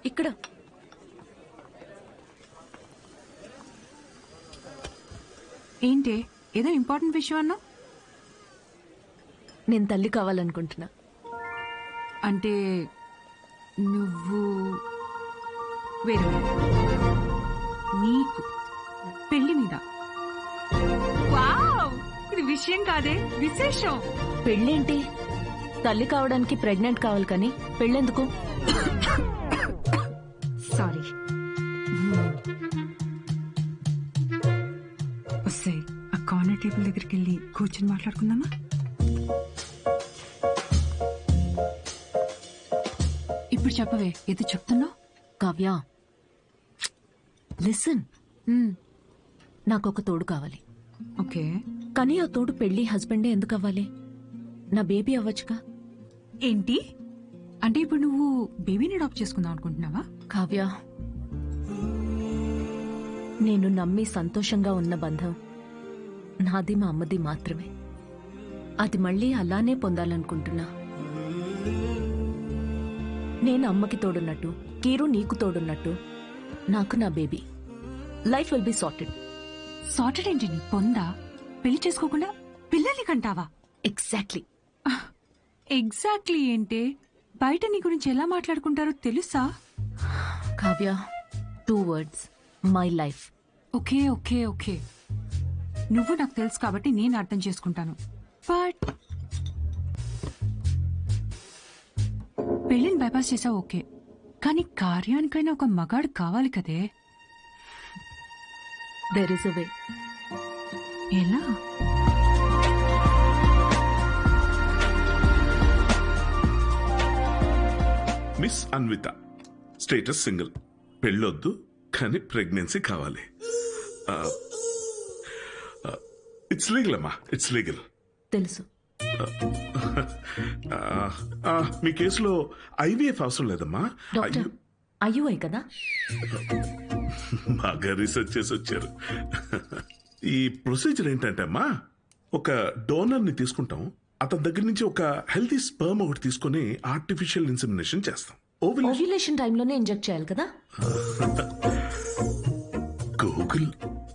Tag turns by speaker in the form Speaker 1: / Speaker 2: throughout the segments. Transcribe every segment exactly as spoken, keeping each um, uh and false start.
Speaker 1: ఇక్కడ.
Speaker 2: ఏంటి ఏదో ఇంపార్టెంట్ విషయం అన్నా?
Speaker 1: నేను తల్లి కావాలనుకుంటున్నా.
Speaker 2: అంటే నువ్వు వేరే నీకు పెళ్లి మీద? వావ్, ఇది విషయం కాదే, విశేషం.
Speaker 1: పెళ్ళేంటి? తల్లి కావడానికి ప్రెగ్నెంట్ కావాలి కానీ పెళ్ళెందుకు?
Speaker 2: సారీ. వస్తే ఆ కార్నర్ టేబుల్ దగ్గరికి వెళ్ళి కూర్చొని మాట్లాడుకుందామా? ఇప్పుడు చెప్పవే, ఏదో చెప్తున్నావు.
Speaker 1: కావ్య, లిసన్. నాకు ఒక తోడు కావాలి.
Speaker 2: ఓకే,
Speaker 1: కానీ ఆ తోడు పెళ్లి హస్బెండే ఎందుకు అవ్వాలి? నా బేబీ అవ్వచ్చుగా.
Speaker 2: ఏంటి అంటే ఇప్పుడు నువ్వు బేబీని అడాప్ట్ చేసుకుందాం అనుకుంటున్నావా?
Speaker 1: కావ్య, నేను నమ్మి సంతోషంగా ఉన్న బంధం నాది మా అమ్మది మాత్రమే. అది మళ్ళీ అలానే పొందాలనుకుంటున్నా. నేను అమ్మకి తోడున్నట్టు, కీరు నీకు తోడున్నట్టు, నాకు నా baby. Life will be sorted.
Speaker 2: Sorted ఏంటి నీ పొందా? పెళ్లి చేసుకోకుండా పిల్లల్ని కంటావా?
Speaker 1: ఎగ్జాక్ట్లీ.
Speaker 2: ఎగ్జాక్ట్లీ ఏంటి? బయట నీ గురించి ఎలా మాట్లాడుకుంటారో తెలుసా?
Speaker 1: Kavya, two words, my life.
Speaker 2: Okay okay okay, నువ్వు నాకు తెలుసు కాబట్టి నేను అర్థం చేసుకుంటాను. బట్ పెళ్లిని బైపాస్ చేసావు ఓకే, కానీ కార్యానికైనా ఒక మగాడు కావాలి కదే.
Speaker 1: There is a way.
Speaker 2: ఎలా?
Speaker 3: మిస్ అన్విత, స్టేటస్ సింగిల్, పెళ్ళొద్దు కానీ ప్రెగ్నెన్సీ కావాలి. ఇట్స్ లీగల్ అమ్మా, ఇట్స్ లీగల్.
Speaker 1: తెలుసు.
Speaker 3: మీ కేసులో ఐవీఎఫ్ అవసరం లేదమ్మా.
Speaker 1: డాక్టర్, అయ్యూఐ కదా?
Speaker 3: బాగా రీసెర్చ్ చేసి వచ్చారు. ఈ ప్రొసీజర్ ఏంటంటే అమ్మా, ఒక డోనర్ ని తీసుకుంటాం, అతని దగ్గర నుంచి ఒక హెల్తీ స్పర్మ్ ఒకటి తీసుకుని ఆర్టిఫిషియల్ ఇన్సెమినేషన్ చేస్తాం.
Speaker 1: ఓవ్యులేషన్ టైంలోనే ఇంజెక్ట్ చేయాలి కదా?
Speaker 3: గూగుల్.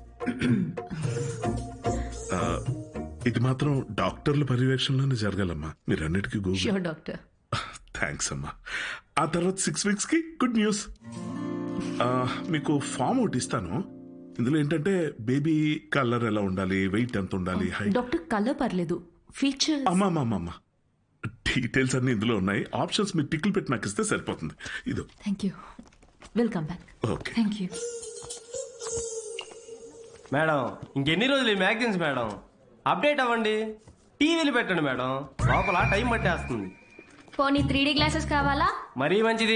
Speaker 3: ఇది మాత్రం డాక్టర్ల పర్యవేక్షణలోనే జరగాలమ్మా, మీరు అన్నిటికీ గూగుల్.
Speaker 1: Sure doctor.
Speaker 3: థ్యాంక్స్ అమ్మా. ఆ తర్వాత సిక్స్ వీక్స్ కి గుడ్ న్యూస్. మీకు ఫామ్ ఒకటి ఇస్తాను. ఇందులో ఏంటంటే బేబీ కలర్ ఎలా ఉండాలి, వెయిట్ ఎంత ఉండాలి, హైట్.
Speaker 1: డాక్టర్ కలర్ పర్లేదు, ఫీచర్.
Speaker 3: అమ్మా అమ్మా అమ్మా డీటెయిల్స్ అన్ని ఇందులో ఉన్నాయి. ఆప్షన్స్ మీరు టిక్లు పెట్టి నాకు ఇస్తే సరిపోతుంది. ఇదో.
Speaker 1: Thank you. Welcome back.
Speaker 3: Okay,
Speaker 2: thank you
Speaker 4: madam. ఇంకెన్ని రోజులు ఈ మ్యాగజైన్స్ మేడం? అప్డేట్ అవ్వండి, టీవీలు పెట్టండి మేడం, లోపల టైం పట్టేస్తుంది.
Speaker 5: పోనీ త్రీ డీ గ్లాసెస్ కావాలా?
Speaker 4: మరీ మంచిది.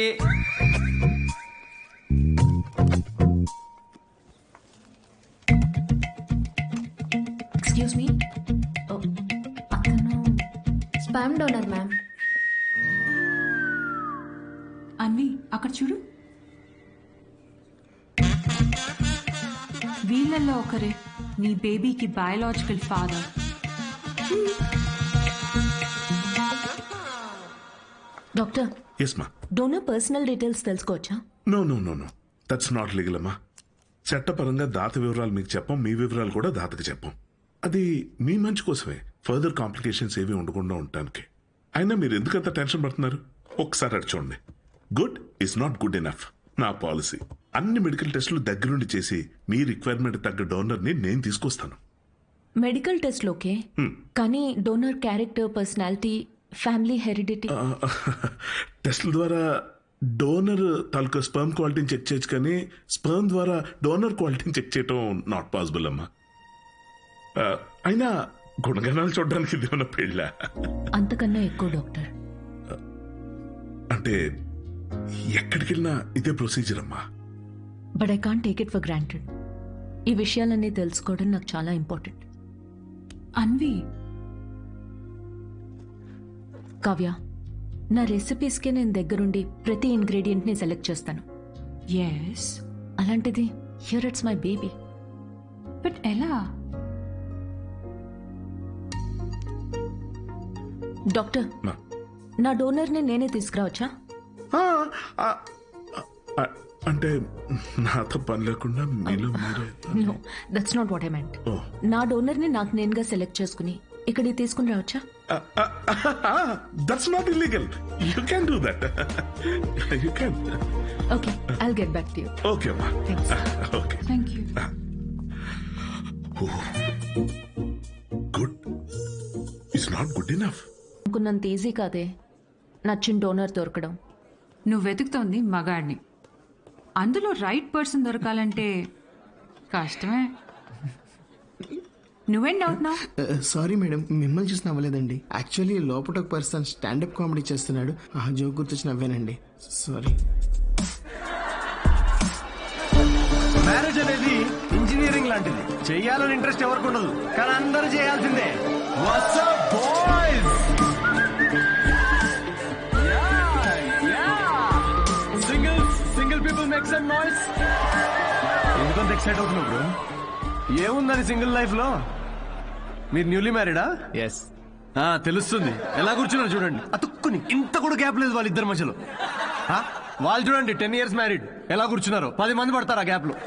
Speaker 1: ఎక్స్క్యూజ్ మీ, అతను
Speaker 5: స్పామ్ డోనర్ మ్యామ్.
Speaker 2: అన్వి అక్కడ చూడు, వీళ్ళల్లో ఒకరే నీ బేబీకి బయాలజికల్ ఫాదర్.
Speaker 1: డాక్టర్,
Speaker 3: ఎస్ మా.
Speaker 1: డోనర్ పర్సనల్ డీటెయిల్స్ తెలుసుకోవచ్చా?
Speaker 3: No no no no that's not legal అమ్మా. చట్టపరంగా దాత వివరాలు మీకు చెప్పం, మీ వివరాలు కూడా దాతకి చెప్పం. అది మీ మంచి కోసమే, ఫర్దర్ కాంప్లికేషన్స్ ఏవి ఉండకుండా ఉండటానికి. అయినా మీరు ఎందుకంత టెన్షన్ పడుతున్నారు? ఒకసారి అటు చూడండి. Good is not good enough. నా పాలసీ అన్ని మెడికల్ టెస్టులు దగ్గరుండి చేసి మీ రిక్వైర్మెంట్ తగ్గ డోనర్ ని నేను తీసుకొస్తాను.
Speaker 1: మెడికల్ టెస్ట్ ఓకే, కానీ donor character, personality, family heredity.
Speaker 3: టెస్ట్ల ద్వారా డోనర్ తాలూకా స్పర్మ్ క్వాలిటీని చెక్ చేయొచ్చు, కానీ స్పర్మ్ ద్వారా డోనర్ క్వాలిటీని చెక్ చేయటం నాట్ పాసిబుల్ అమ్మా. అయినా గుణగణాలు చూడడానికి ఇది ఉన్న పెళ్ళ
Speaker 1: అంతకన్నా ఎక్కువ డాక్టర్.
Speaker 3: అంటే ఎక్కడికి వెళ్ళినా ఇదే ప్రొసీజర్ అమ్మా.
Speaker 1: But I can't take it for granted. ఈ విషయాలన్నీ తెలుసుకోవడం నాకు చాలా ఇంపార్టెంట్.
Speaker 2: అన్వి,
Speaker 1: కావ్య, నా రెసిపీస్కి నేను దగ్గరుండి ప్రతి ఇంగ్రీడియంట్ ని సెలెక్ట్ చేస్తాను.
Speaker 2: ఎస్.
Speaker 1: అలాంటిది here it's my baby.
Speaker 2: But ఎలా?
Speaker 1: డాక్టర్, నా డోనర్ ని నేనే తీసుకురావచ్చా?
Speaker 3: అ- అంటే నాతో పని లేకుండా మీలో మీరే
Speaker 1: no that's not what I meant
Speaker 3: Oh.
Speaker 1: నా డోనర్ని నాకు నేనుగా సెలెక్ట్ చేసుకుని ఇక్కడికి తీసుకుని రావచ్చా?
Speaker 3: That's not illegal. You can do that. You can.
Speaker 1: Okay I'll get back to you.
Speaker 3: Okay అమ్మా.
Speaker 1: Thanks.
Speaker 3: Okay
Speaker 2: thank you.
Speaker 3: Good. It's not good enough.
Speaker 1: అనుకున్నంత easy కాదే నచ్చిన డోనర్ దొరకడం.
Speaker 2: నువ్వు వెతుకుతోంది మగాడిని, అందులో రైట్ పర్సన్ దొరకాలంటే కష్టమే. నువ్వేం డౌట్ నా?
Speaker 6: సారీ మేడం, మిమ్మల్ని చూసి నవ్వలేదండి. యాక్చువల్లీ లోపల ఒక పర్సన్ స్టాండప్ కామెడీ చేస్తున్నాడు, ఆ జోక్ గుర్తొచ్చి నవ్వానండి. సారీ.
Speaker 4: మ్యారేజ్ అనేది ఇంజనీరింగ్ లాంటిది. చెయ్యాలని ఇంట్రెస్ట్ ఎవరికి ఉండదు, కానీ అందరూ చేయాల్సిందే. What's up, boys? Singles, single people make some noise. ఎందుకంత ఎక్సైట్ అవుతున్నావు బ్రో? ఏముందని సింగిల్ లైఫ్ లో? మీరు న్యూలీ మ్యారీడా?
Speaker 7: ఎస్.
Speaker 4: తెలుస్తుంది. ఎలా కూర్చున్నారు చూడండి, అతుక్కుని. ఇంత కూడా గ్యాప్ లేదు వాళ్ళిద్దరి మధ్యలో. ఆ? వాళ్ళు చూడండి టెన్ ఇయర్స్ మ్యారీడ్, ఎలా కూర్చున్నారు. పది మంది పడతారు ఆ గ్యాప్ లో.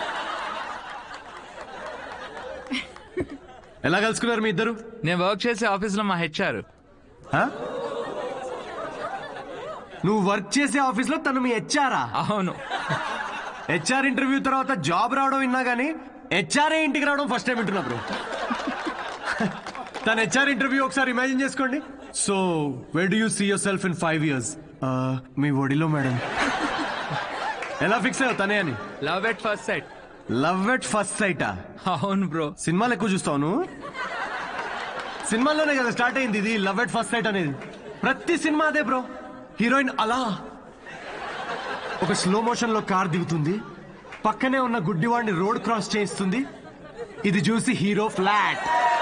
Speaker 4: ఎలా కలుసుకున్నారు మీ ఇద్దరు?
Speaker 7: నేను వర్క్ చేసే ఆఫీస్ లో మా హెచ్ఆర్.
Speaker 4: ఆ? నువ్వు వర్క్ చేసే ఆఫీస్ లో తను మీ హెచ్ఆరా?
Speaker 7: అవును.
Speaker 4: హెచ్ఆర్ ఇంటర్వ్యూ తర్వాత జాబ్ రావడం విన్నా గానీ హెచ్ఆర్ఏ ఇంటికి రావడం ఫస్ట్ టైం వింటున్నా బ్రో. తన హెచ్ఆర్ ఇంటర్వ్యూ ఒకసారి ఇమాజిన్ చేసుకోండి. So where do you see yourself in five years? మీ ఒడిలో మేడం. ఎలా ఫిక్స్ అయ్యావు తనే అని?
Speaker 7: Love at first sight.
Speaker 4: Love at first సైటా?
Speaker 7: అవును బ్రో.
Speaker 4: సినిమాలు ఎక్కువ చూస్తావు నువ్వు? సినిమాల్లోనే కదా స్టార్ట్ అయింది ఇది లవ్ ఎట్ ఫస్ట్ సైట్ అనేది. ప్రతి సినిమా అదే బ్రో. హీరోయిన్ అలా ఒక స్లో మోషన్ లో కార్ దిగుతుంది, పక్కనే ఉన్న గుడ్డివాడిని రోడ్ క్రాస్ చేయిస్తుంది. ఇది చూసి హీరో ఫ్లాట్.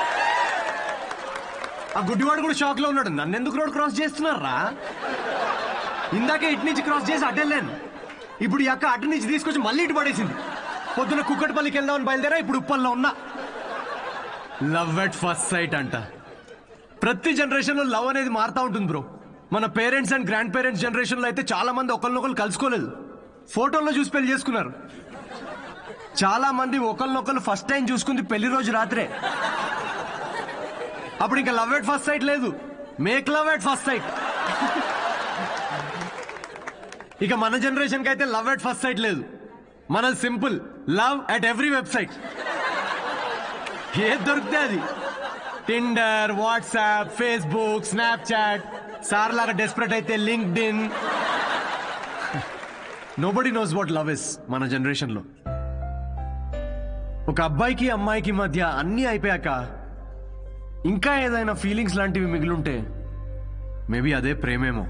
Speaker 4: ఆ గుడ్డివాడు కూడా షాక్ లో ఉన్నాడు, నన్ను ఎందుకు రోడ్ క్రాస్ చేస్తున్నారా? ఇందాకే ఇటు నుంచి క్రాస్ చేసి అటెళ్ళాను, ఇప్పుడు ఈ అక్క అటు నుంచి తీసుకొచ్చి మళ్ళీ ఇటు పడేసింది. పొద్దున కుక్కటిపల్లికి వెళ్దామని బయలుదేరా, ఇప్పుడు ఉప్పల్లో ఉన్నా. లవ్ ఎట్ ఫస్ట్ సైట్ అంట. ప్రతి జనరేషన్ లో లవ్ అనేది మారుతా ఉంటుంది బ్రో. మన parents and grandparents generation లో అయితే చాలా మంది ఒకరినొకరు కలుసుకోలేదు, ఫోటోల్లో చూసి పెళ్లి చేసుకున్నారు. చాలా మంది ఒకరినొకరు ఫస్ట్ టైం చూసుకుంది పెళ్లి రోజు రాత్రే. అప్పుడు ఇంకా లవ్ ఎట్ ఫస్ట్ సైట్ లేదు, make love at first sight. ఇక మన జనరేషన్ కి అయితే లవ్ ఎట్ ఫస్ట్ సైట్ లేదు, మన simple love at every website. ఏది దొరికితే అది. Tinder, WhatsApp, Facebook, Snapchat, sir లాగా డెస్పరేట్ అయితే LinkedIn. Nobody knows what love is మన జనరేషన్ లో. ఒక అబ్బాయికి అమ్మాయికి మధ్య అన్నీ అయిపోయాక ఇంకా ఏదైనా ఫీలింగ్స్ లాంటివి మిగిలుంటే మేబీ అదే ప్రేమేమో.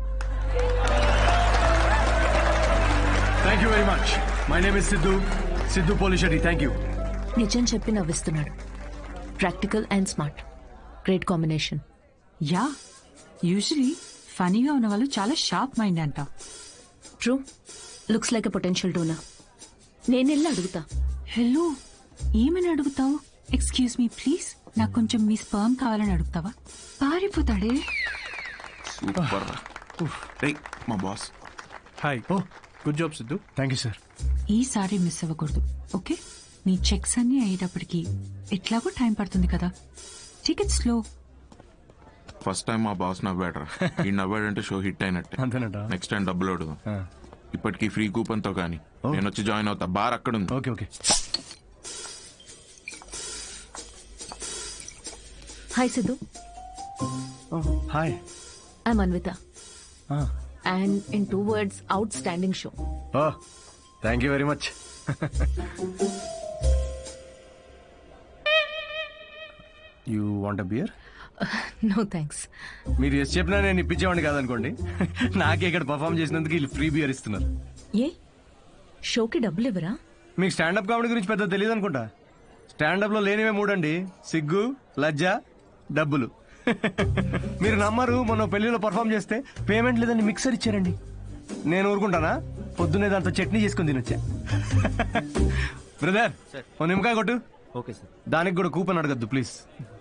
Speaker 4: Thank you very much. My name is Siddhu, Siddhu Polishetty. Thank you.
Speaker 1: నిజం చెప్పి నవ్విస్తున్నాడు. Practical and smart, great combination.
Speaker 2: Yeah, usually ఫనీగా ఉన్న వాళ్ళు చాలా షార్ప్ మైండ్ అంట.
Speaker 1: True, looks like a potential donor. నేను వెళ్ళి అడుగుతా.
Speaker 2: హలో, ఏమని అడుగుతావు? ఎక్స్క్యూజ్ మీ ప్లీజ్, నాకు కొంచెం మీ స్పర్మ్ కావాలని అడుగుతావా? పారిపోతాడే.
Speaker 8: సూపర్. రేయ్, మా boss.
Speaker 4: Hi. Oh good job Siddhu. Thank you sir.
Speaker 2: ఈసారి మిస్ అవ్వకూడదు, ఓకే? నీ చెక్స్ అన్ని అయ్యేటప్పటికి ఎట్లాగో టైం పడుతుంది కదా, టికెట్ స్లో.
Speaker 8: ఫస్ట్ టైం మా బాస్ నవ్వాడరా. ఈ నవ్వాడంటే షో హిట్ అయినట్టే.
Speaker 4: అంతేనట.
Speaker 8: నెక్స్ట్ టైం డబ్బులు అడుగుదాం. ఇప్పటికి ఫ్రీ కూపన్ తో కానీ నేను వచ్చి జాయిన్ అవుతా. బార్ అక్కడ ఉంది.
Speaker 4: Okay okay.
Speaker 1: Hi Siddhu,
Speaker 4: hi.
Speaker 1: I'm Anvitha. And in two words, outstanding show.
Speaker 4: Oh thank you very much. You want a beer?
Speaker 1: No thanks.
Speaker 4: మీరు ఎస్ చెప్పినా నేను ఇప్పించేవాడిని కాదనుకోండి. నాకే ఇక్కడ పర్ఫామ్ చేసినందుకు వీళ్ళు ఫ్రీ బియర్ ఇస్తున్నారు.
Speaker 1: ఏ షోకి డబ్బులు ఇవ్వరా?
Speaker 4: మీకు స్టాండప్ కామెడీ గురించి పెద్ద తెలియదు అనుకుంటా. స్టాండప్ లో లేనివే మూడండి, సిగ్గు, లజ్జ, డబ్బులు. మీరు నమ్మరు, మొన్న పెళ్లిలో పర్ఫామ్ చేస్తే పేమెంట్ లేదని మిక్సర్ ఇచ్చారండి. నేను ఊరుకుంటానా? పొద్దున్నే దాంతో చట్నీ చేసుకుని తినొచ్చా. బ్రదర్, ఓ నిమ్మకాయ కొట్టు.
Speaker 9: Okay sir.
Speaker 4: దానికి కూడా కూపన్ అడగద్దు ప్లీజ్.